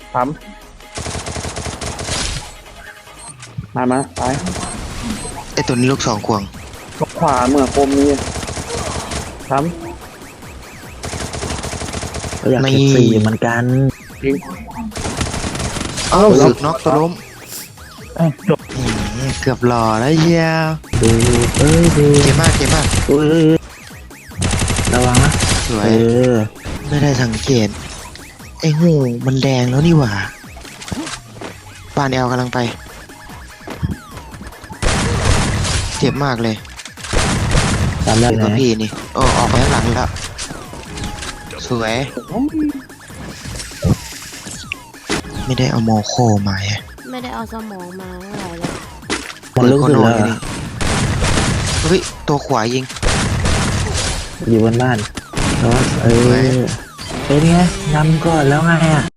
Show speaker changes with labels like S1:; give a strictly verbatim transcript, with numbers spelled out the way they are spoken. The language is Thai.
S1: ทำมามาตาย
S2: ไอตัวนี้ลูกสองควง
S1: ขวาเมื่อคมนี้ท
S3: ก็อยากเก็บสี่เหมือนกัน
S1: ำยิง
S2: เอ้าสึกน็อกตัวล้ม
S1: เอ้าจบ
S2: อืมเกือบหล่อแล้วเชียว
S3: ดูเอ้ยดู
S2: เก่งมากเก่งมาก
S3: เอ้ยระวังนะ
S2: สว
S3: เอย อ
S2: ไม่ได้สังเกตไอ้หูมันแดงแล้วนี่หว่าปานแอลกำลังไปเจ็บมากเลย
S3: ตามได้
S2: เจ็บ
S3: ไห
S2: กับ
S3: ม
S2: พี่นี่โอ้ออกไปข้างหลังแล้วสวยไม่ได้เอาโมโคมาไง
S4: ไม่ได้เอาสมองมาเท่าไหร่เลย
S3: มันลึกสุดแล้ว
S2: เปิโคโน่นี่เฮ้ยตัวขวายิง
S3: อยู่บนบ้านแล้วเออเป็นไงนำก่อนแล้วไงอ่ะ